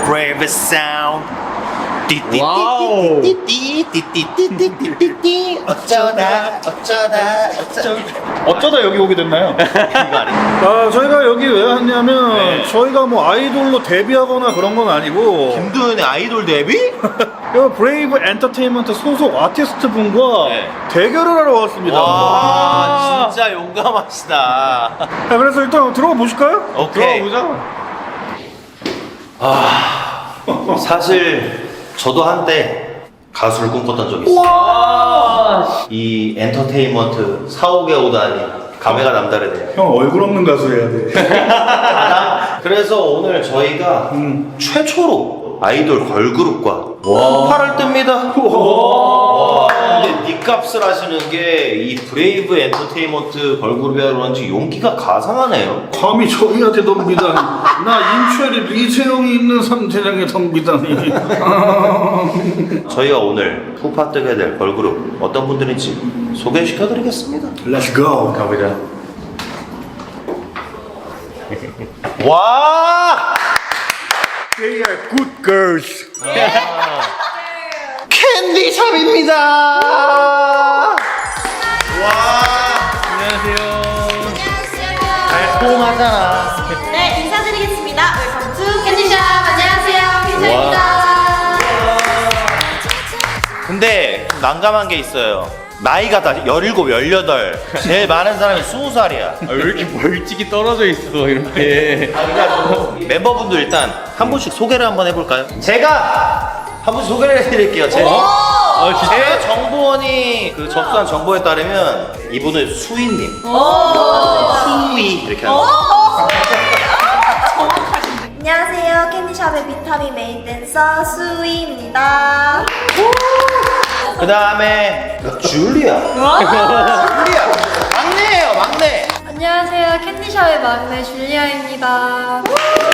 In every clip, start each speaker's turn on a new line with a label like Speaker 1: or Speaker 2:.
Speaker 1: brave sound.
Speaker 2: 와우.
Speaker 1: 띠띠띠띠띠띠띠띠띠띠 어쩌다
Speaker 2: 어쩌다 여기 오게 됐나요?
Speaker 1: 이거 아니야?
Speaker 2: 아, 저희가 여기 왜 왔냐면
Speaker 1: 네.
Speaker 2: 저희가 뭐 아이돌로 데뷔하거나 그런 건 아니고
Speaker 1: 김도현의 아이돌 데뷔?
Speaker 2: 이 브레이브 엔터테인먼트 소속 아티스트 분과
Speaker 1: 네.
Speaker 2: 대결을 하러 왔습니다.
Speaker 1: 와 진짜 용감하시다.
Speaker 2: 자, 그래서 일단 들어가 보실까요?
Speaker 1: 오케이.
Speaker 2: 들어가 보자.
Speaker 1: 사실 저도 한때 가수를 꿈꿨던 적이 있어요. 이 엔터테인먼트 사옥에 오다니 감회가 남다르네요.
Speaker 2: 형 얼굴 없는 가수 해야 돼.
Speaker 1: 그래서 오늘 저희가 최초로 아이돌 걸그룹과 팔을 뜹니다. 와, 근데 니값을 하시는 게 이 브레이브 엔터테인먼트 걸그룹이라 그런지 용기가 가상하네요.
Speaker 2: 감히 저희한테 덤비다니. 나 인철이 리세영이 있는 삼대장에 덤비다니.
Speaker 1: 저희가 오늘 푸파 뜨게 될 걸그룹 어떤 분들인지 소개시켜드리겠습니다.
Speaker 2: Let's go.
Speaker 1: 가보자. 와!
Speaker 2: They are good girls.
Speaker 1: 캔디샵입니다. 와! 달콤하잖아.
Speaker 3: 네, 인사드리겠습니다. 웰컴 투 캔디샵. 안녕하세요, 캔디샵입니다.
Speaker 1: 근데 난감한 게 있어요. 나이가 다 17, 18. 제일 많은 사람이 20살이야.
Speaker 4: 왜 이렇게 멀찍이 떨어져 있어 이렇게.
Speaker 1: 그래가지고 멤버분들 일단 한 분씩 소개를 한번 해볼까요? 제가 한 분씩 소개를 해드릴게요. 제 정보원이 그 접수한 정보에 따르면 이분은 수희님. 수희 이렇게 하는 거.
Speaker 3: 안녕하세요, 캔디샵의 비타민 메인 댄서 수희입니다.
Speaker 1: 그 다음에 줄리아. 줄리아. 막내예요, 막내.
Speaker 3: 안녕하세요, 캔디샵의 막내 줄리아입니다.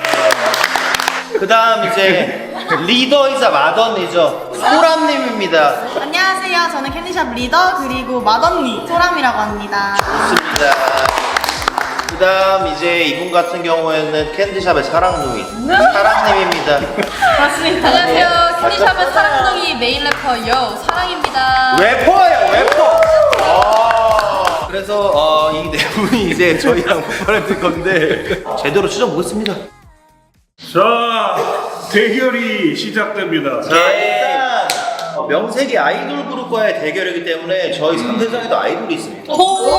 Speaker 1: 그 다음 이제 리더이자 마더니죠. 소람님입니다.
Speaker 5: 안녕하세요. 저는 캔디샵 리더 그리고 맏언니 소람이라고 합니다.
Speaker 1: 좋습니다. 그 다음 이제 이분 같은 경우에는 캔디샵의 사랑둥이 사랑님입니다.
Speaker 5: 맞습니다.
Speaker 3: 안녕하세요, 캔디샵의 사랑둥이 메인 래퍼 요 사랑입니다.
Speaker 1: 래퍼예요, 래퍼. 그래서 이 네 분이 이제 저희랑 폭발을 될 건데 제대로 찢어보겠습니다.
Speaker 2: 자, 대결이 시작됩니다.
Speaker 1: 자, 일단 명색이 아이돌 그룹과의 대결이기 때문에 저희 3대장에도 아이돌이 있습니다.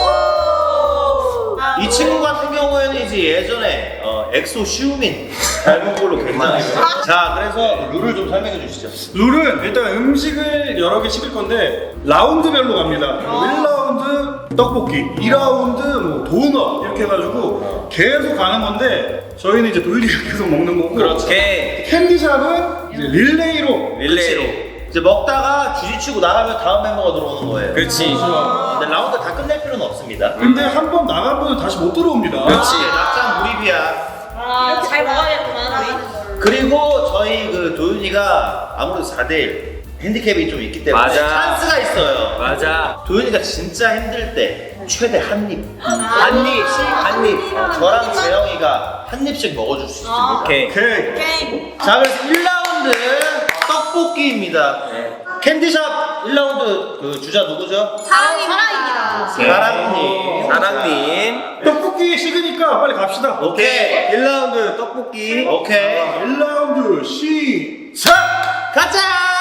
Speaker 1: 이 친구 같은 경우에는 이제 예전에 엑소 슈민 닮은 걸로 굉장히 자, 그래서 룰을 좀 설명해 주시죠.
Speaker 2: 룰은 일단 음식을 여러 개 시킬 건데 라운드별로 갑니다. 1라운드 떡볶이, 2라운드 뭐 도넛 이렇게 해가지고 계속 가는 건데 저희는 이제 돌리가 계속 먹는 거고
Speaker 1: 오케이.
Speaker 2: 캔디샵은 이제 릴레이로
Speaker 1: 이제 먹다가 주지치고 나가면 다음 멤버가 들어오는 거예요.
Speaker 4: 그렇지.
Speaker 1: 근데 라운드 다 끝낼 필요는 없습니다.
Speaker 2: 근데 한 번 나간 분은 다시 못 들어옵니다.
Speaker 1: 그렇지. 낙장 무립이야.
Speaker 3: 이렇게 잘 먹어야겠구나.
Speaker 1: 그리고 저희 그 도윤이가 아무래도 4대1 핸디캡이 좀 있기 때문에
Speaker 4: 맞아.
Speaker 1: 찬스가 있어요.
Speaker 4: 맞아.
Speaker 1: 도윤이가 진짜 힘들 때 최대 한 입.
Speaker 4: 한 입.
Speaker 1: 저랑 재영이가 한 입씩 먹어줄 수 있습니다.
Speaker 4: 오케이.
Speaker 2: 오케이.
Speaker 1: 자, 그래서 1라운드 떡볶이입니다. 캔디샵 1라운드 그 주자 누구죠?
Speaker 3: 사랑입니다.
Speaker 1: 사랑님.
Speaker 4: 사랑님.
Speaker 2: 떡볶이 식으니까 빨리 갑시다.
Speaker 1: 오케이.
Speaker 4: 1라운드 떡볶이.
Speaker 1: 오케이.
Speaker 2: 1라운드 시작!
Speaker 1: 가자!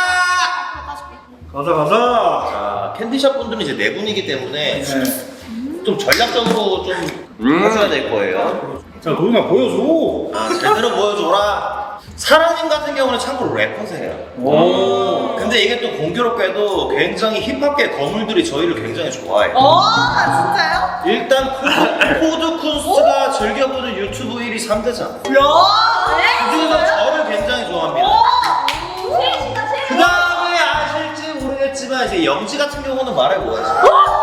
Speaker 2: 가자.
Speaker 1: 자, 캔디샵 분들은 이제 네 분이기 때문에 좀 전략적으로 좀 하셔야 될 거예요.
Speaker 2: 자, 도윤아 보여줘.
Speaker 1: 아, 제대로 보여줘라. 사랑님 같은 경우는 참고로 래퍼세요.
Speaker 2: 오.
Speaker 1: 근데 이게 또 공교롭게도 굉장히 힙합계 거물들이 저희를 굉장히 좋아해요.
Speaker 5: 진짜요?
Speaker 1: 일단 코드 쿤스트가 즐겨보는 유튜브 1위 3대장. 그중에서 저를 굉장히 좋아합니다. 그 다음에 아실지 모르겠지만 이제 영지 같은 경우는 말해보야지.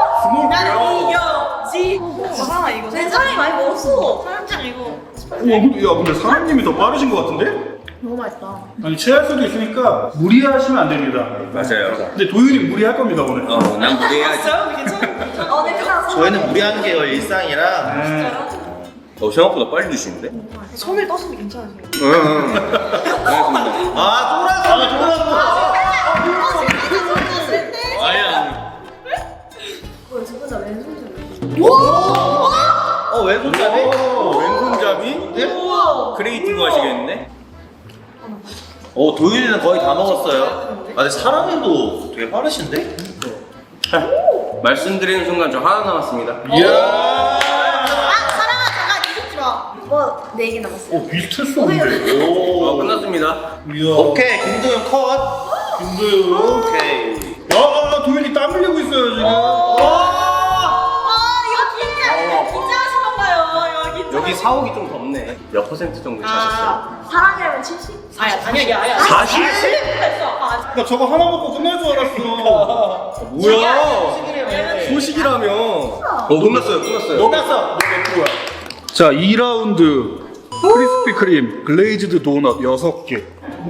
Speaker 5: 괜찮아 이거.
Speaker 3: 굉장히 많이 먹었어.
Speaker 5: 사람장 이거.
Speaker 2: 야, 근데 사장님이 더 빠르신 것 같은데?
Speaker 5: 너무 맛있다.
Speaker 2: 아니, 체할 수도 있으니까 무리하시면 안 됩니다.
Speaker 4: 맞아요.
Speaker 2: 근데 도윤이 무리할 겁니다, 오늘.
Speaker 4: 난 무대해야지.
Speaker 5: 괜찮아?
Speaker 3: 네, 괜찮아.
Speaker 1: 저희는 무리하는 게 일상이라.
Speaker 2: 네.
Speaker 4: 생각보다 빨리 드시는데?
Speaker 5: 손을 떠서도 괜찮으세요?
Speaker 4: 응.
Speaker 1: 왼손잡이?
Speaker 4: 왼손잡이? 크리에이티브 하시겠는데?
Speaker 1: 도윤이는 거의 다 먹었어요. 아, 근데 사람이도 되게 빠르신데?
Speaker 4: 말씀드리는 순간 저 하나 남았습니다.
Speaker 5: 아, 사랑아, 잠깐 이륙지 마.
Speaker 3: 뭐 4개 남았어요.
Speaker 2: 비슷했어 근데.
Speaker 1: 오.
Speaker 4: 끝났습니다.
Speaker 2: 이야.
Speaker 1: 오케이, 김도윤 컷.
Speaker 2: 김도윤.
Speaker 1: 오케이.
Speaker 2: 도윤이 땀 흘리고 있어요 지금.
Speaker 5: 이거 긴장하신 건가요? 이거
Speaker 4: 여기 사옥이 좀 덥네. 몇 퍼센트 정도 차셨어요?
Speaker 3: 사랑이라면 70?
Speaker 5: 아니야.
Speaker 4: 40?
Speaker 2: 나 저거 하나 먹고 끝날 줄 알았어.
Speaker 4: 뭐야? 소식이라며. 끝났어요.
Speaker 1: 끝났어.
Speaker 2: 자, 2라운드 크리스피 크림 글레이즈드 도넛 6개.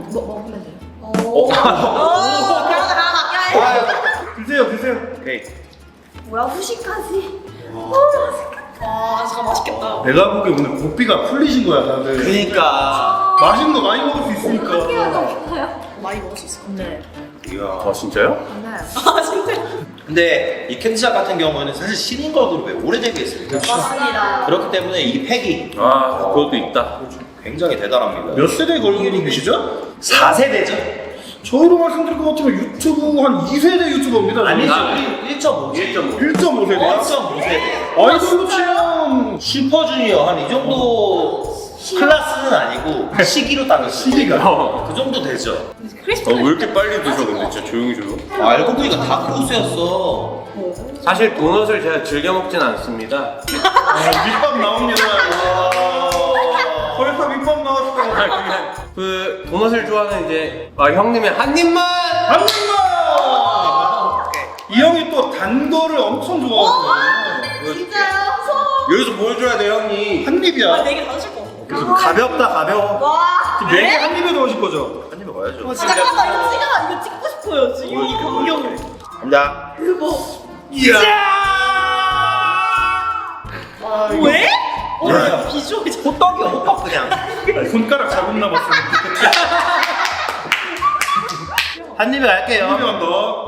Speaker 2: 드세요.
Speaker 1: 오케이.
Speaker 3: 뭐야, 후식까지?
Speaker 5: 와, 진짜 맛있겠다.
Speaker 2: 내가 보기에 오늘 고삐가 풀리신 거야 다들.
Speaker 1: 그니까.
Speaker 2: 맛있는 거 많이 먹을 수 있으니까.
Speaker 5: 많이 먹을 수 있을 것 같아.
Speaker 1: 이야.
Speaker 4: 진짜요?
Speaker 5: 아, 진짜?
Speaker 1: 근데 이 캔디샵 같은 경우에는 사실 신인 걸그룹에 오래되게 있습니다.
Speaker 5: 맞습니다.
Speaker 1: 그렇기 때문에 이 팩이
Speaker 4: 그것도 있다.
Speaker 1: 굉장히 대단합니다.
Speaker 2: 몇 세대 걸그룹이시죠?
Speaker 1: 4세대죠?
Speaker 2: 저희로 말씀드릴 것 같으면 유튜브 한 2세대 유튜버입니다.
Speaker 1: 아니죠.
Speaker 2: 저는.
Speaker 1: 1.5.
Speaker 2: 1.5세대야?
Speaker 1: 1.5세대.
Speaker 2: 아이돌로 치면
Speaker 1: 슈퍼주니어 한 이 정도 클래스는 아니고 시기로 따면
Speaker 2: 시기가.
Speaker 1: 그 정도 되죠.
Speaker 4: 왜 이렇게 빨리 드셔 근데 진짜 조용히 좀.
Speaker 1: 알고 보니까 다 고수였어.
Speaker 4: 사실 도넛을 제가 즐겨 먹진 않습니다.
Speaker 2: 밑밥 나옵니다. 벌써 밑밥 나왔어.
Speaker 4: 그 도넛을 좋아하는 이제 형님의 한 입만.
Speaker 2: 한 입만! 이 형이 또 단 거를 엄청 좋아하거든요.
Speaker 5: 진짜요?
Speaker 4: 여기서 보여줘야 돼 형이.
Speaker 2: 한 입이야.
Speaker 5: 4개 다 드실 거 같아.
Speaker 1: 그래서 가볍다 가벼워.
Speaker 5: 와.
Speaker 2: 지금 4개 한 입에 넣으실 거죠?
Speaker 1: 한 입에 가야죠.
Speaker 5: 잠깐만, 이거 찍고 싶어요, 지금. 이 광경.
Speaker 1: 갑니다.
Speaker 2: 이야!
Speaker 5: 왜? 비주얼이 저
Speaker 1: 호떡이야 호떡 그냥.
Speaker 2: 아니, 손가락 자국 남았어.
Speaker 1: 한 입에 갈게요.
Speaker 2: 한 입에 간다.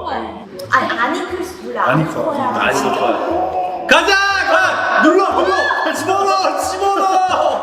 Speaker 3: 아니클스 몰라.
Speaker 2: 아니클.
Speaker 4: 가자. 가.
Speaker 1: 눌러 집어넣어.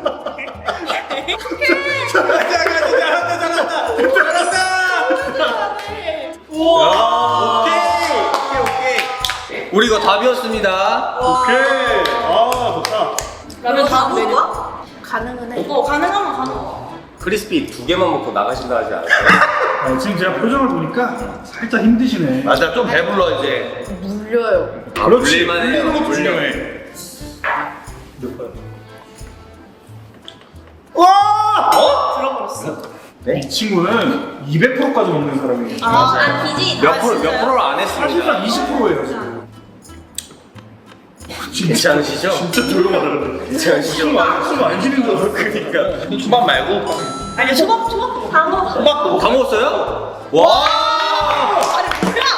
Speaker 4: 오케이. 우리 이거 답이었습니다.
Speaker 2: 오케이. 좋다.
Speaker 5: 그러면 다음 메뉴.
Speaker 3: 가능은 해.
Speaker 5: 가능하면 가능.
Speaker 4: 크리스피 2개만 먹고 나가신다 하지 않았어요?
Speaker 2: 지금 제가 표정을 보니까 살짝 힘드시네.
Speaker 1: 맞아 좀 배불러 이제.
Speaker 3: 물려요.
Speaker 2: 그렇지.
Speaker 4: 물릴만 해요.
Speaker 2: 흘리는 것도
Speaker 4: 물려.
Speaker 2: 중요해. 몇 번? 와!
Speaker 5: 들어버렸어.
Speaker 2: 이 친구는 200%까지 먹는 사람이에요.
Speaker 5: 비지.
Speaker 4: 몇 프로를 안
Speaker 2: 사실상
Speaker 4: 했습니다.
Speaker 2: 20%예요 지금.
Speaker 4: 괜찮으시죠?
Speaker 2: 진짜 조용하다 근데.
Speaker 4: 괜찮으시죠?
Speaker 2: 숨안 쉬는 줄 알았어.
Speaker 4: 그러니까.
Speaker 1: 초밥 말고
Speaker 5: 아니, 초밥.
Speaker 3: 다 먹었어.
Speaker 1: 호박도.
Speaker 4: 다 먹었어요? 와!
Speaker 5: 아니, 뭐야?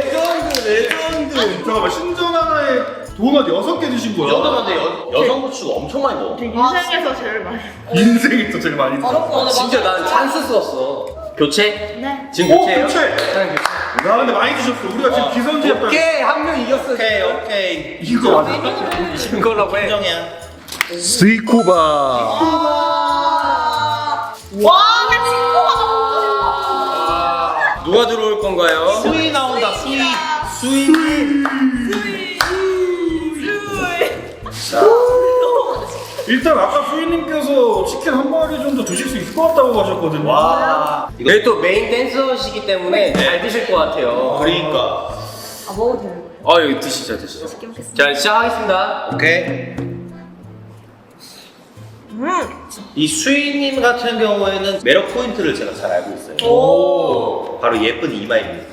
Speaker 4: 레전드.
Speaker 2: 잠깐만 신전 하나에 도넛 6개 드신
Speaker 1: 이
Speaker 2: 거야?
Speaker 1: 정도면 근데 여성 고추가 엄청 많이 먹어.
Speaker 5: 인생에서 제일 많이.
Speaker 2: 인생에서 제일 많이 드셨어.
Speaker 4: 진짜 난 찬스 썼어. 교체?
Speaker 3: 네.
Speaker 4: 지금 교체예요?
Speaker 2: 교체! 야 근데 많이 드셨어. 우리가 지금 기선제압
Speaker 4: 오케이 한 명 이겼어.
Speaker 1: 오케이.
Speaker 2: 이거 맞아.
Speaker 4: 이긴 걸라고 해.
Speaker 1: 인정이야.
Speaker 2: 스이코바.
Speaker 5: 와, 나 친구가 너무
Speaker 4: 누가 들어올 건가요?
Speaker 1: 수위 나온다 수위.
Speaker 2: 일단 아까 수인님께서 치킨 한 마리 정도 드실 수 있을 것 같다고 하셨거든요.
Speaker 1: 와. 이거
Speaker 4: 네, 또 메인 댄서시기 때문에 잘 드실 것 같아요.
Speaker 1: 그러니까.
Speaker 3: 먹어도 되는 거예요.
Speaker 4: 여기 드시죠.
Speaker 3: 맛있게 먹겠습니다.
Speaker 4: 자, 시작하겠습니다.
Speaker 1: 오케이. 이 수희님 같은 경우에는 매력 포인트를 제가 잘 알고 있어요.
Speaker 5: 오.
Speaker 1: 바로 예쁜 이마입니다.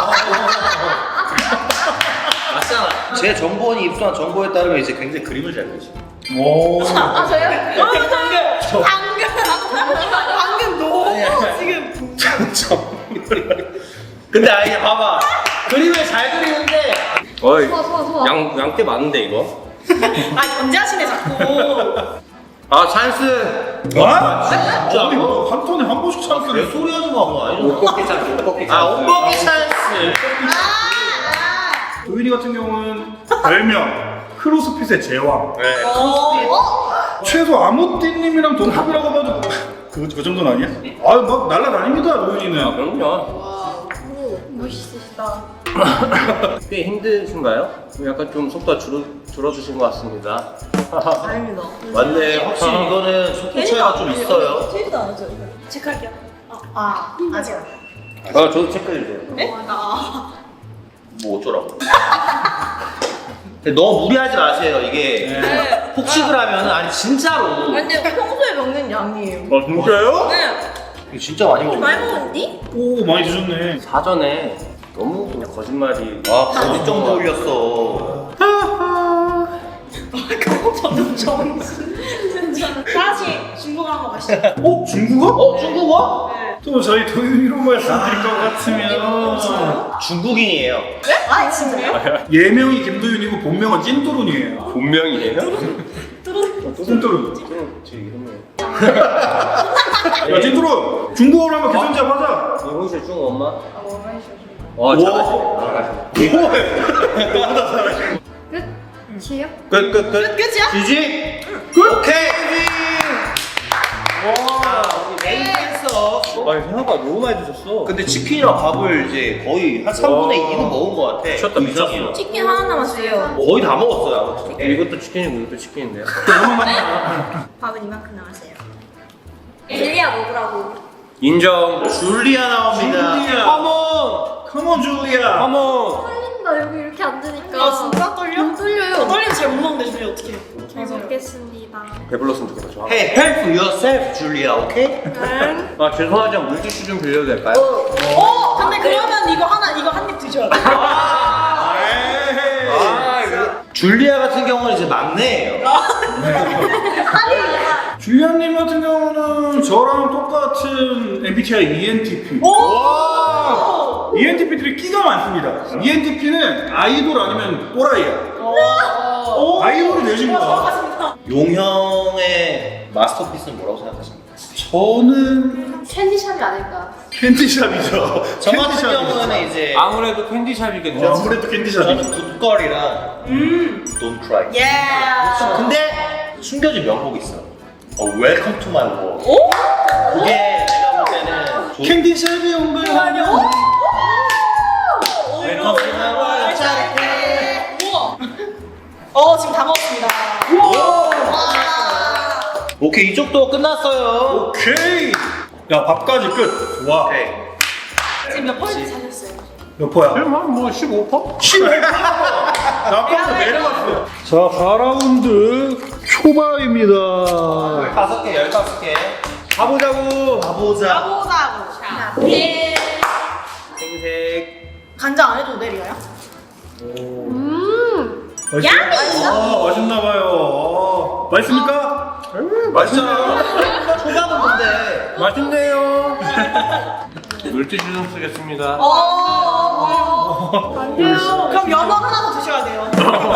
Speaker 4: 맞잖아.
Speaker 1: 제 정보원이 입수한 정보에 따르면 이제 굉장히 그림을 잘 그리시고.
Speaker 2: 오.
Speaker 3: 저요?
Speaker 5: 방금 너무 지금.
Speaker 1: 근데 아니 봐봐. 그림을 잘 그리는데
Speaker 4: 어이,
Speaker 3: 소화.
Speaker 4: 양떼 많은데 이거?
Speaker 5: 아, 견제하시네, 자꾸.
Speaker 4: 아 찬스.
Speaker 2: 아? 아니 뭐한 턴에 한 번씩 찬스를.
Speaker 1: 내 소리 하지 마, 그거 아니잖아.
Speaker 4: 옷벗기 찬스. 옷벗기 찬스.
Speaker 1: 아, 온버기 찬스.
Speaker 2: 도윤이 같은 경우는 별명 크로스핏의 제왕.
Speaker 1: 네.
Speaker 2: 최소 아모띠님이랑 동갑이라고 봐도 그 정도는 아니야? 아막 날라다닙니다 도윤이는.
Speaker 4: 그럼요.
Speaker 3: 멋있으시다.
Speaker 4: 꽤 힘드신가요? 약간 좀 속도가 줄어드신 것 같습니다.
Speaker 3: 아닙니다.
Speaker 1: 맞네. 확실히 이거는 속도 차이가 좀 있어요.
Speaker 3: 체크도 안 하죠? 체크할게요. 아직 안.
Speaker 4: 아 저도 체크해주세요.
Speaker 3: 네?
Speaker 1: 뭐 어쩌라고. 근데 너무 무리하지 마세요. 이게
Speaker 3: 네.
Speaker 1: 폭식을 하면은 아니 진짜로.
Speaker 3: 근데 평소에 먹는 양이에요.
Speaker 4: 아 진짜요?
Speaker 3: 네.
Speaker 1: 이거 진짜 많이 먹어.
Speaker 3: 많이 먹었니?
Speaker 2: 오 많이 드셨네.
Speaker 4: 사전에 너무 그냥 거짓말이.
Speaker 1: 아, 거짓 정도 올렸어.
Speaker 3: 저는 정신. 다시 중국 한번 가시죠.
Speaker 2: 중국어?
Speaker 1: 중국어?
Speaker 3: 네.
Speaker 2: 또 저희 도윤이로 말씀드릴 것 같으면
Speaker 1: 중국인이에요.
Speaker 3: 아 진짜요?
Speaker 2: 예명이 김도윤이고 본명은 찐도룬이에요.
Speaker 4: 본명이에요?
Speaker 2: 찐도룬.
Speaker 4: 제 이름은.
Speaker 2: 야 찐도룬 중국어로 한번 기선제압 하자.
Speaker 4: 이혼실 중국 엄마? 와 잘하시네.
Speaker 3: 끝이에요?
Speaker 1: 끝.
Speaker 3: 끝이야?
Speaker 1: 지지? 오케이. 와, 우리 메인 댄서.
Speaker 4: 아니 생각보다 너무 많이 드셨어.
Speaker 1: 근데 치킨이랑 밥을 이제 거의 한 3분의 2는 먹은 것 같아.
Speaker 4: 미쳤다,
Speaker 1: 그
Speaker 4: 미쳤어.
Speaker 1: 이상이요.
Speaker 3: 치킨 하나 남았어요.
Speaker 1: 거의 다 먹었어요. 아무튼.
Speaker 4: 이것도 치킨이고 이것도 치킨인데요.
Speaker 3: 밥은 이만큼 남았어요. 젤리야 먹으라고.
Speaker 4: 인정.
Speaker 1: 줄리아 나옵니다.
Speaker 2: 줄리아.
Speaker 4: 컴온.
Speaker 2: 컴온 줄리아.
Speaker 4: 컴온.
Speaker 3: 떨린다 여기 이렇게 앉으니까.
Speaker 5: 아 진짜 떨려?
Speaker 3: 안 떨려요.
Speaker 5: 떨리면 잘 못 먹는데 줄리 어떻게 해?
Speaker 3: 잘 먹겠습니다.
Speaker 4: 배불렀으면 좋겠다. 저.
Speaker 1: Hey, help yourself, 줄리아. 오케이?
Speaker 4: 아 죄송하지만 물티슈 좀 빌려도 될까요?
Speaker 5: 근데 그러면 이거 한 입 드셔야 돼.
Speaker 2: 에이.
Speaker 4: 아 이거.
Speaker 1: 줄리아 같은 경우는 이제 막내예요.
Speaker 2: 줄리아님 같은 경우는 저랑 똑같은 MBTI ENTP. ENTP들이 끼가 많습니다. ENTP는 아이돌 아니면 또라이야. 아이돌이 되신 거야.
Speaker 1: 용형의 마스터피스는 뭐라고 생각하십니까?
Speaker 2: 저는
Speaker 3: 캔디샵이 아닐까.
Speaker 2: 캔디샵이죠.
Speaker 1: 저 같은
Speaker 2: 캔디샵이죠.
Speaker 1: 경우는 이제
Speaker 4: 아무래도 캔디샵이겠죠.
Speaker 2: 아무래도 캔디샵이죠.
Speaker 1: 저는 굿걸이랑 Don't Cry.
Speaker 5: 예.
Speaker 1: 근데 숨겨진 명곡이 있어. Welcome to my world. 그게 내가 볼 때는
Speaker 2: 캔디샵이 온 거야.
Speaker 1: Welcome to my world. 짜릿해.
Speaker 5: 지금 다 먹었습니다.
Speaker 1: 오케이, 이쪽도 끝났어요.
Speaker 2: 오케이. 야 밥까지 끝. 좋아.
Speaker 1: 오케이.
Speaker 5: 지금 몇 퍼센트 사셨어요?
Speaker 2: 몇 퍼야?
Speaker 4: 뭐 15%?
Speaker 2: 15%. 나 아까부터 내려갔어. 자 4라운드 초반입니다.
Speaker 1: 5개, 15개.
Speaker 4: 가보자고.
Speaker 1: 가보자.
Speaker 5: 가보자고. 자, 예.
Speaker 4: 생색.
Speaker 5: 간장 안 해도 내려요?
Speaker 2: 맛있나봐요. 맛있습니까?
Speaker 1: 맛있잖아. 초반은 근데.
Speaker 4: 맛있네요. 물티슈 좀 쓰겠습니다.
Speaker 5: 그럼 연어 하나 더 드셔야 돼요.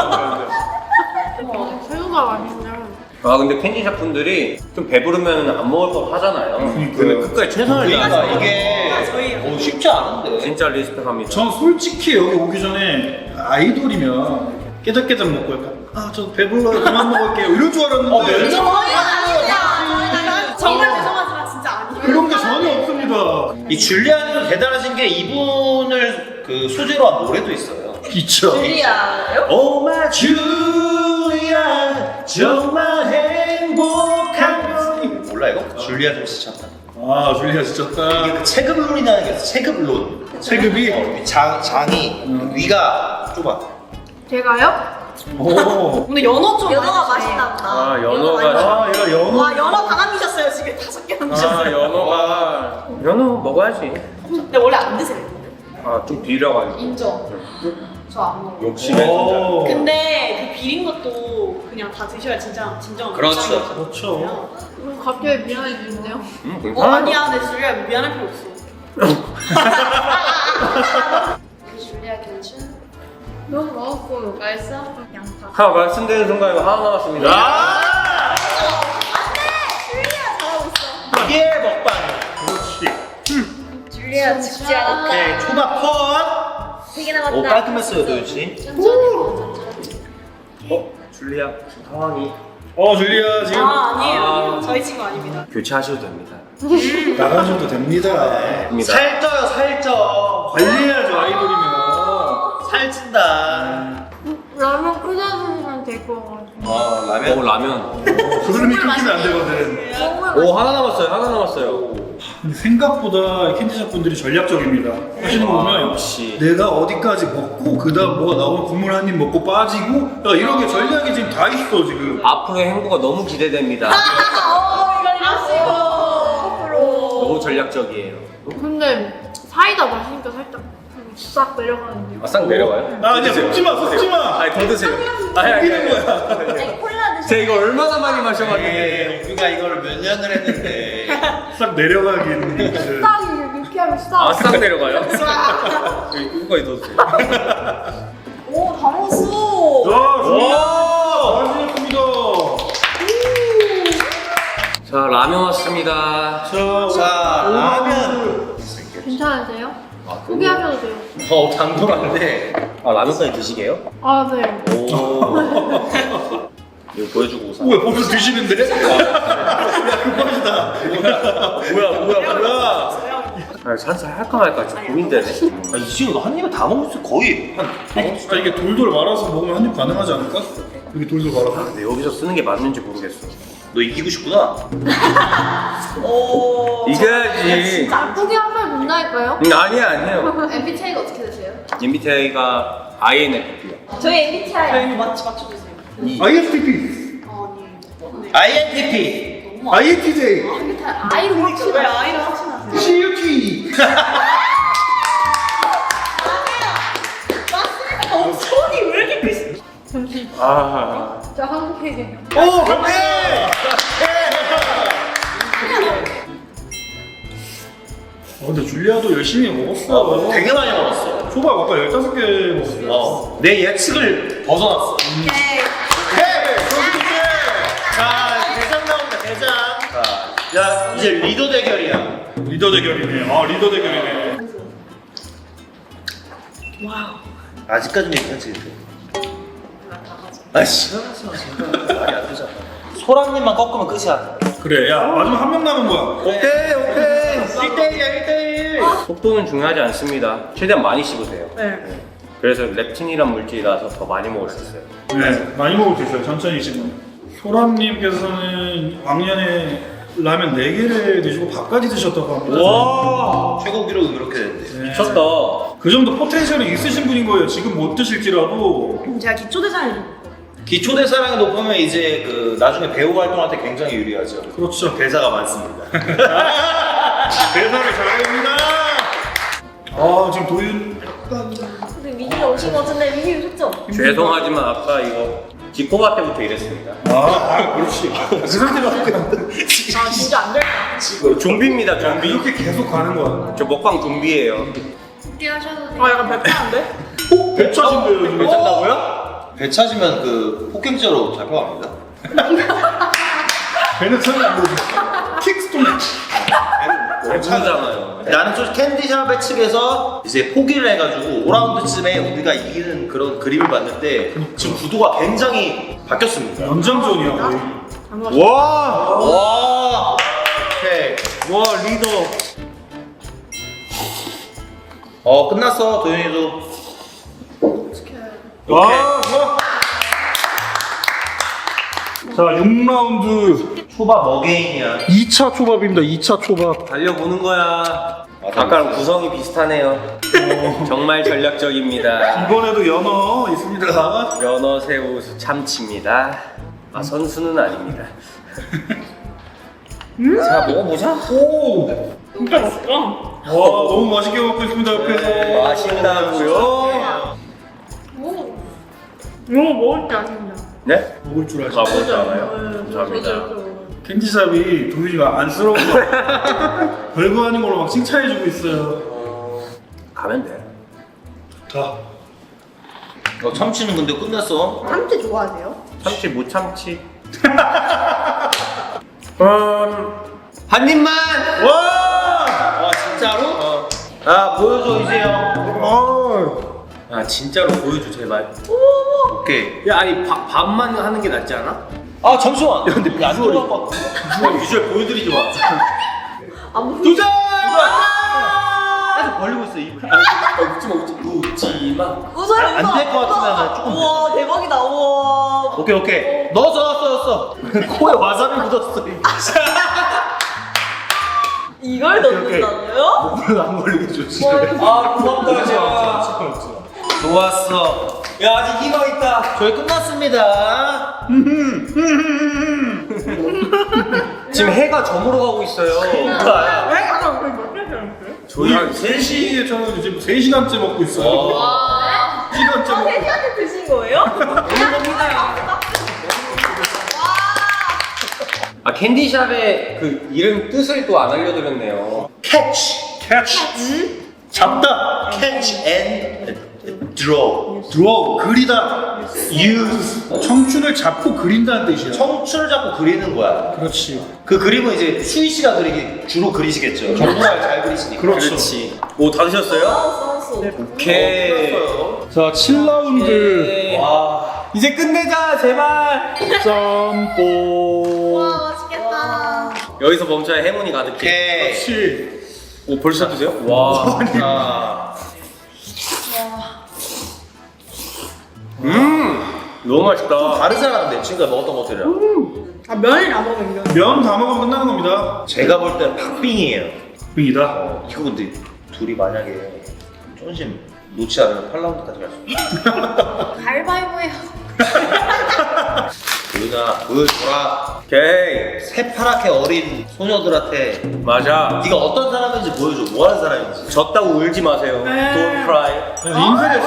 Speaker 3: 새우가 맛있네.
Speaker 4: 아 근데 캔디샵 분들이 좀 배부르면 안 먹을 법 하잖아요.
Speaker 2: 그러니까요.
Speaker 4: 근데 끝까지 최선을
Speaker 1: 그러니까
Speaker 4: 다해서
Speaker 1: 이게 쉽지 않은데.
Speaker 4: 진짜 리스펙합니다.
Speaker 2: 전 솔직히 여기 오기 전에 아이돌이면 깨작깨작 먹고 약간 저 배불러요 그만 먹을게요 이럴 줄 알았는데
Speaker 1: 면접
Speaker 5: 저희 아닙니다. 정말 죄송하지만 진짜 아니에요.
Speaker 2: 그런 게 전혀 없습니다.
Speaker 1: 이 줄리아는 대단하신 게 이분을 그 소재로 한 노래도 있어요.
Speaker 2: 있죠.
Speaker 5: 줄리아요?
Speaker 1: Oh my 줄리아 정말 행복한 건 몰라 이거? 줄리아 좀 스쳤다.
Speaker 2: 아 줄리아 지쳤다.
Speaker 1: 이게 그 체급론이라는 게 있어. 체급론.
Speaker 2: 체급이?
Speaker 1: 장이 위가 좁아.
Speaker 3: 제가요?
Speaker 2: 오.
Speaker 5: 근데 연어 좀
Speaker 3: 연어가
Speaker 5: 많이 드세요.
Speaker 3: 맛있나 보다.
Speaker 4: 아 연어가.
Speaker 2: 아 얘가 연어.
Speaker 5: 와 연어 다 남기셨어요 지금 5개 남기셨어요.
Speaker 4: 아 연어가. 연어 먹어야지.
Speaker 5: 근데 원래 안 드세요.
Speaker 4: 아 좀 비려가지고.
Speaker 3: 인정. 저 안 먹어.
Speaker 4: 욕심에 진짜.
Speaker 2: 오.
Speaker 5: 근데 그 비린 것도 그냥 다 드셔야 진짜 진정한
Speaker 1: 그렇죠.
Speaker 5: 일상이거든요.
Speaker 2: 그렇죠.
Speaker 3: 갑자기 미안해지는데요?
Speaker 4: 괜찮아.
Speaker 5: 아니야 내 줄리아 미안할 필요 없어.
Speaker 3: 줄리아 괜춘? 너무 먹었고 맛있어? 양파.
Speaker 4: 말씀드리는 순간 이거 하나 남았습니다.
Speaker 1: 피해 먹방.
Speaker 2: 그렇지.
Speaker 3: 줄리아 죽지 않았다.
Speaker 1: 오케이, 초밥 컷.
Speaker 3: 3개 남았다.
Speaker 1: 오, 깔끔했어요, 도윤씨.
Speaker 4: 줄리아 지금 상황이
Speaker 2: 줄리아 지금
Speaker 5: 아니에요. 저희 친구 아닙니다.
Speaker 4: 교체하셔도 됩니다.
Speaker 2: 나가셔도 됩니다.
Speaker 4: 됩니다.
Speaker 1: 살쪄요, 살쪄.
Speaker 2: 관리해야죠, 아이돌이면.
Speaker 1: 살찐다.
Speaker 3: 라면 끓여주시면 될 것 같아요.
Speaker 1: 라면.
Speaker 4: 라면.
Speaker 2: 흐름이 끊기면 안 되거든.
Speaker 4: 오, 하나 남았어요. 하나 남았어요.
Speaker 2: 근데 생각보다 캔디샵 분들이 전략적입니다. 하시는 거 보면
Speaker 4: 역시.
Speaker 2: 내가 어디까지 먹고 그다음 뭐가 나오면 국물 한 입 먹고 빠지고 야, 이런 게 전략이 지금 다 있어 지금.
Speaker 4: 앞으로의 행보가 너무 기대됩니다. 너무 전략적이에요.
Speaker 6: 근데 사이다 마시니까 살짝 싹 내려가는데요.
Speaker 4: 아, 싹 내려가요?
Speaker 2: 아 이제 속지 마, 속지 마.
Speaker 4: 아니, 더 드세요. 아니,
Speaker 2: 이기는 거야.
Speaker 3: 콜라 드시면
Speaker 4: 제가 이거 얼마나 많이 마셔봤는데.
Speaker 1: 우리가 이걸 몇 년을 했는데.
Speaker 2: 싹 내려가긴. 이제.
Speaker 6: 싹 이렇게 하면 싹.
Speaker 4: 아, 싹 내려가요? 이거까지 더 드세요.
Speaker 5: 오, 다 먹었어.
Speaker 2: 와, 잘하셨습니다.
Speaker 4: 자, 라면 왔습니다.
Speaker 1: 자, 라면.
Speaker 6: 괜찮으세요? 포기하셔도 돼요.
Speaker 1: 당돌한데.
Speaker 4: 아, 라면까지 드시게요?
Speaker 6: 아 네.
Speaker 4: 오. 이거 보여주고 사.
Speaker 2: 왜 벌써 드시는데?
Speaker 1: 뭐야.
Speaker 4: 아, 산살 할까 말까 지금 고민되네.
Speaker 1: 아, 이 친구 한 입에 다 먹었어, 거의.
Speaker 2: 아 이게 돌돌 말아서 먹으면 한 입 가능하지 않을까? 이게 돌돌 말아서.
Speaker 4: 근데 여기서 쓰는 게 맞는지 모르겠어.
Speaker 1: 너 이기고 싶구나.
Speaker 4: 이겨야지.
Speaker 6: 아, 포기하면 된다니까요?
Speaker 4: 아니에요.
Speaker 3: MBTI가 어떻게 되세요?
Speaker 4: MBTI가 INFP요.
Speaker 3: 저희 MBTI.
Speaker 5: 저희 맞춰주세요.
Speaker 2: ISTP,
Speaker 1: INTP.
Speaker 2: INTJ,
Speaker 3: I로
Speaker 5: 왜
Speaker 3: 확실해.
Speaker 5: 아이를 확신하세요?
Speaker 2: CUT.
Speaker 5: 손이 왜 이렇게 크시?
Speaker 4: 아.
Speaker 6: 저 한국이에요.
Speaker 1: 오, 그래!
Speaker 2: 근데 줄리아도 열심히 먹었어.
Speaker 1: 되게 많이 먹었어.
Speaker 2: 초밥 아까 15개 먹었어.
Speaker 1: 내 예측을 벗어났어.
Speaker 5: 오케이.
Speaker 1: 자, 대장 나온다, 대장. 자, 야, 이제 리더 대결이야.
Speaker 2: 리더 대결이네. 아 리더 대결이네.
Speaker 1: 아직까지는 괜찮지. 아, 시원하지 마, 진짜. 말이 안 되잖아. 소랑님만 꺾으면 끝이야.
Speaker 2: 그래, 야 마지막 한 명 남은 거야.
Speaker 1: 오케이. 1대1이야, 1대1.
Speaker 4: 속도는 중요하지 않습니다. 최대한 많이 씹으세요.
Speaker 5: 네.
Speaker 4: 그래서 렙틴이란 물질이라서 더 많이 먹을 수 있어요.
Speaker 2: 네, 많이 먹을 수 있어요. 천천히 지금. 소람님께서는 왕년에 라면 4개를 드시고 밥까지 드셨다고 합니다.
Speaker 1: 와, 최고 기록은 그렇게 됐는데.
Speaker 2: 네.
Speaker 4: 미쳤다.
Speaker 2: 그 정도 포텐셜이 있으신 분인 거예요. 지금 못 드실지라도.
Speaker 5: 제가 기초대사를
Speaker 1: 기초대사량이 높으면 이제 그 나중에 배우 활동할 때 굉장히 유리하죠.
Speaker 2: 그렇죠.
Speaker 1: 대사가 많습니다.
Speaker 2: 대사를 잘합니다. 아 지금 도윤 약간
Speaker 3: 근데 미니가 오신 것 같은데 미니 오셨죠?
Speaker 4: 죄송하지만 아까 이거 지코바 때부터 이랬습니다.
Speaker 2: 그렇지. 그 상태로
Speaker 6: 아 진짜 안 될까?
Speaker 4: 좀비입니다, 좀비.
Speaker 2: 이렇게 계속 가는 거야.
Speaker 4: 저 먹방 좀비예요.
Speaker 6: 포기하셔도 돼요.
Speaker 5: 약간 배타는데?
Speaker 2: 배차신데요 지금.
Speaker 1: 괜찮다고요? 배 찾으면 그 폭행죄로 잡혀갑니다.
Speaker 2: 배는 차면 안 되지. 킥스톤.
Speaker 4: 배부르잖아요.
Speaker 1: 나는 솔직히 캔디샵의 측에서 이제 포기를 해가지고 5라운드쯤에 우리가 이기는 그런 그림을 봤는데 지금 구도가 굉장히 바뀌었습니다.
Speaker 2: 연장전이야 거의.
Speaker 1: 와! 오케이.
Speaker 4: 와, 리더.
Speaker 1: 끝났어, 도현이도.
Speaker 2: 와 좋아. 자 6라운드
Speaker 1: 초밥 어게인이야.
Speaker 2: 2차 초밥입니다. 2차 초밥.
Speaker 4: 달려보는 거야. 아까랑 구성이 비슷하네요. 정말 전략적입니다.
Speaker 2: 이번에도 연어 있습니다.
Speaker 4: 연어, 새우, 참치입니다. 아, 선수는 아닙니다. 자, 먹어보자.
Speaker 2: 오.
Speaker 5: 진짜 맛있다.
Speaker 2: 와 너무 맛있게 먹고 있습니다 옆에서.
Speaker 4: 맛있다고요?
Speaker 5: 이거 먹을 때 아닙니다.
Speaker 4: 네?
Speaker 2: 먹을 줄 알지.
Speaker 4: 가보지 않아요. 감사합니다.
Speaker 2: 캔디샵이 도윤이가 안쓰러운 거 별거 아닌 걸로 막 칭찬해주고 있어요.
Speaker 4: 가면 돼.
Speaker 2: 자
Speaker 1: 참치는 근데 끝났어.
Speaker 5: 참치 좋아하세요?
Speaker 4: 참치 못 참치. 한 입만.
Speaker 2: 와!
Speaker 1: 진짜로? 아 보여줘 이제 형.
Speaker 4: 아 진짜로 보여줘 제발.
Speaker 1: 오케이.
Speaker 4: 야 아니 밥만 하는 게 낫지 않아?
Speaker 1: 아 잠시만. 근데 안 들어봐. 비주얼 보여드리지 마.
Speaker 2: 도전!
Speaker 1: 계속 벌리고 있어 입을.
Speaker 4: 웃지마.
Speaker 1: 안 될 것 같으면 조금.
Speaker 5: 우와 대박이다. 우와.
Speaker 1: 오케이. 넣었어. 코에 와사비 묻었어.
Speaker 5: 이걸 넣는다고요?
Speaker 2: 목을 안 걸리게 좋지.
Speaker 4: 아 고맙다.
Speaker 1: 좋았어.
Speaker 4: 야 아직 희망 있다.
Speaker 1: 저희 끝났습니다.
Speaker 4: 지금 해가 저물어 가고 있어요.
Speaker 2: 저희 한 3시에 저는 지금 3시간째 먹고 있어요. 3시간째 먹고.
Speaker 5: 세시간째 드신 거예요?
Speaker 4: 아 캔디샵의 그 이름 뜻을 또 안 알려드렸네요.
Speaker 1: 캐치.
Speaker 2: 캐치. 잡다.
Speaker 1: 캐치 앤 드로우.
Speaker 2: 드로우. 그리다. use. 청춘을 잡고 그린다는 뜻이야.
Speaker 1: 청춘을 잡고 그리는 거야.
Speaker 2: 그렇지.
Speaker 1: 그 그림은 이제 수희 씨가 주로 그리시겠죠. 정말 잘 그리시니까.
Speaker 2: 그렇죠.
Speaker 4: 오 다 드셨어요? 오케이.
Speaker 2: 자, 7라운드.
Speaker 1: 와.
Speaker 4: 이제 끝내자 제발.
Speaker 2: 짬뽕.
Speaker 5: 와 맛있겠다.
Speaker 4: 여기서 멈춰야 행운이 가득해.
Speaker 1: 오케이.
Speaker 2: 그렇지.
Speaker 4: 오 벌써 드세요? 와. 너무 맛있다.
Speaker 1: 다르잖아 근데 지금까지 먹었던 것들이랑.
Speaker 5: 아 면이나 먹으면 면.
Speaker 2: 면 다 먹으면 끝나는 겁니다.
Speaker 1: 제가 볼 때는 박빙이에요.
Speaker 2: 빙이다.
Speaker 1: 이거 근데 둘이 만약에 조금씩 놓지 않으면 8라운드까지 갈 수 있어.
Speaker 5: 가위바위보예요.
Speaker 1: 도윤아 보여줘라.
Speaker 4: 오케이.
Speaker 1: 새파랗게 어린 소녀들한테
Speaker 4: 맞아.
Speaker 1: 네가 어떤 사람인지 보여줘. 뭐 하는 사람인지.
Speaker 4: 졌다고 울지 마세요. Don't cry.
Speaker 2: 인쇄됐어.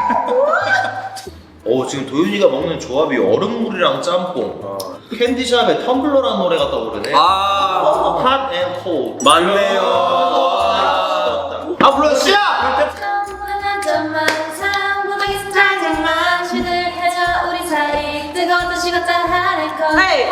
Speaker 1: 지금 도윤이가 먹는 조합이 얼음물이랑 짬뽕. 캔디샵에 텀블러라는 노래가 떠오르네.
Speaker 4: 아
Speaker 1: Hot and cold.
Speaker 4: 맞네요.
Speaker 1: 아 불러 시작!
Speaker 3: 충분한 점만 상부하게 짜증만 쉬들 해줘 우리 사이 뜨거운 식었다 하늘걸
Speaker 5: 헤이.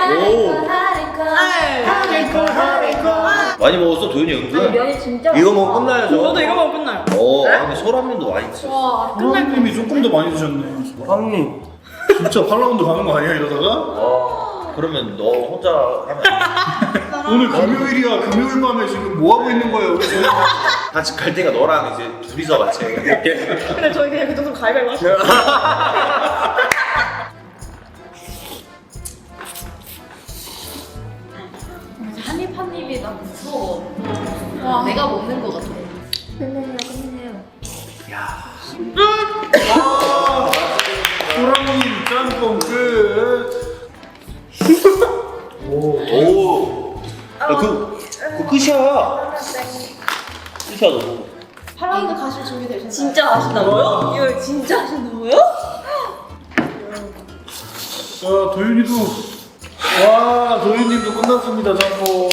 Speaker 3: 하늘걸
Speaker 1: 많이 먹었어 도윤이 은근.
Speaker 3: 면이 진짜
Speaker 1: 이거 먹으면 끝나야죠.
Speaker 5: 저도 이거 먹으면 끝나요.
Speaker 1: 근데 소라면도 많이 드셨어.
Speaker 5: 와
Speaker 2: 하나님이 조금 더 많이 드셨네.
Speaker 4: 형님.
Speaker 2: 진짜 8라운드 가는 거 아니야 이러다가?
Speaker 1: 그러면 너 혼자 하면
Speaker 2: 오늘 금요일이야. 금요일 밤에 지금 뭐 하고 있는 거예요? 우리 저희?
Speaker 1: 같이 갈 때가 너랑 이제 둘이서 같이.
Speaker 5: 근데 저희 그냥 그 정도 가위바위보 하시죠.
Speaker 3: 한입 한 입이 나 무서워 내가 먹는 거 같아 끝내요
Speaker 2: 소랑님 짬뽕 끝.
Speaker 1: 오. 그 끝이야. 끝이야 너.
Speaker 3: 8라운드 가실 준비 되셨나요?
Speaker 5: 진짜 하신다고요? 이거 진짜 하신다고요?
Speaker 2: 자, 도윤이도. 와, 도윤님도 끝났습니다, 짬뽕.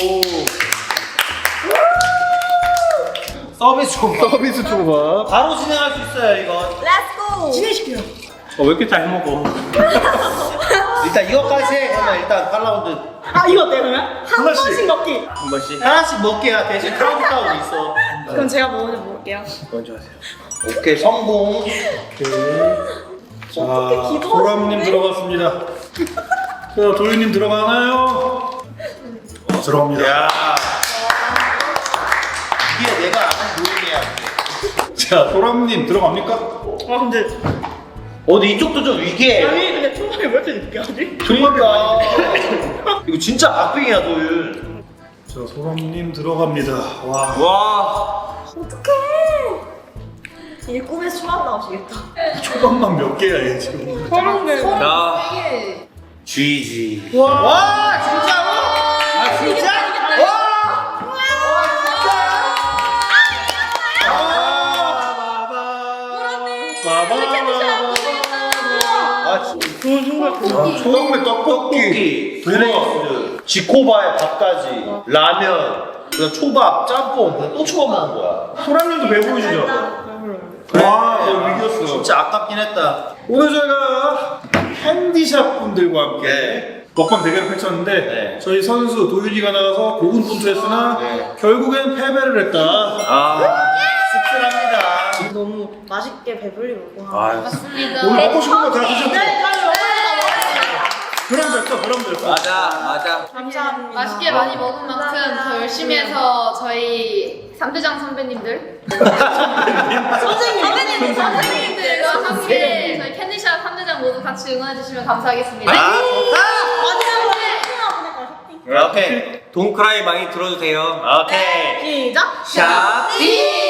Speaker 1: 서비스 조각.
Speaker 2: 서비스 초밥.
Speaker 1: 바로 진행할 수 있어요 이거.
Speaker 5: 렛츠고! 진행시켜요.
Speaker 4: 왜 이렇게 잘 먹어?
Speaker 1: 일단 이거까지 해. 그러면 일단 8라운드
Speaker 5: 아 이거 어때요 그러면? 한
Speaker 2: 하나씩.
Speaker 5: 번씩 먹기.
Speaker 4: 한 번씩
Speaker 1: 하나씩 먹게야. 대신 카운트다운 있어.
Speaker 5: 그럼 제가 먼저 먹을게요.
Speaker 4: 먼저 하세요.
Speaker 1: 오케이 성공.
Speaker 2: 자,
Speaker 5: 기도하시네.
Speaker 2: 소람님 들어갔습니다. 자, 도윤님 들어가나요? 들어갑니다.
Speaker 1: 야. 이게 내가 아는 도윤이야.
Speaker 2: 자, 소람님 들어갑니까?
Speaker 5: 아 근데
Speaker 1: 근데 이쪽도 좀 위기해.
Speaker 5: 아니 근데 초반에 왜 이렇게 늦게 하지?
Speaker 1: 그러니까. 이거 진짜 박빙이야 도윤.
Speaker 2: 자, 소람님 들어갑니다. 와.
Speaker 4: 와.
Speaker 5: 이 꿈에서 초반 나오시겠다.
Speaker 2: 초밥만 몇 개야, 얘 지금.
Speaker 5: 서른개.
Speaker 4: 자.
Speaker 1: GG.
Speaker 2: 와.
Speaker 1: 진짜로? 아 진짜? 아 진짜.
Speaker 2: 처음에
Speaker 1: 떡볶이, 그레이스, 지코바에 밥까지, 라면, 그다음 초밥, 짬뽕, 그다음 또 초밥 먹은 거야.
Speaker 2: 소람님도 배부르시죠? 와, 너 위기였어.
Speaker 1: 진짜 아깝긴 했다.
Speaker 2: 오늘 저희가 캔디샵 분들과 함께 먹방 대결을 펼쳤는데
Speaker 1: 네.
Speaker 2: 저희 선수 도윤이가 나가서 고군분투했으나
Speaker 1: 네.
Speaker 2: 결국엔 패배를 했다.
Speaker 1: 씁쓸합니다.
Speaker 5: 너무 맛있게 배불리고.
Speaker 3: 맞습니다.
Speaker 2: 오늘 먹고 싶은 거 다 드셨죠?
Speaker 5: 네,
Speaker 2: 그럼 됐어, 그럼 됐어.
Speaker 4: 맞아.
Speaker 5: 감사합니다.
Speaker 3: 맛있게 많이 먹은 만큼 더 열심히 해서 저희 3대장 선배님들 선생님들과 함께 저희 캔디샵 3대장 모두 같이 응원해주시면 감사하겠습니다.
Speaker 1: 오케이.
Speaker 4: 동크라이 많이 들어주세요.
Speaker 1: 오케이.
Speaker 5: 시작.
Speaker 4: 샵.